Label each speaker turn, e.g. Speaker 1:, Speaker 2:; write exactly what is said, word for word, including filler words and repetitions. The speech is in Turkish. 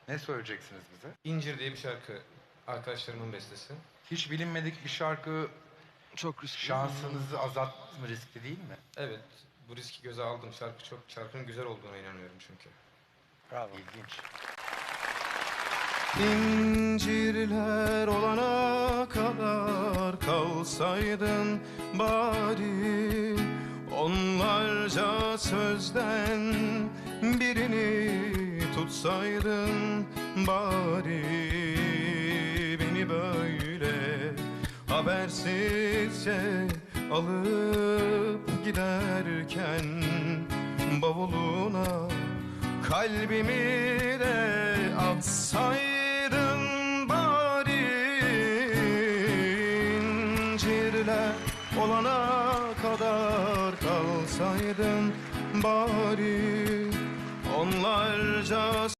Speaker 1: Ne söyleyeceksiniz bize?
Speaker 2: İncir diye bir şarkı. Arkadaşlarımın bestesi.
Speaker 1: Hiç bilinmedik bir şarkı
Speaker 3: Çok riskli.
Speaker 1: şansınızı azaltmaz mı? Riskli değil mi?
Speaker 2: Evet, bu riski göze aldım. Şarkı çok, şarkının güzel olduğuna inanıyorum çünkü.
Speaker 1: Bravo. İlginç.
Speaker 4: İncirler olana kadar kalsaydın bari, onlarca sözden birini tutsaydın bari. Beni böyle habersizce alıp giderken bavuluna kalbimi de atsaydın bari. İncirler olana kadar kalsaydın bari, onlarca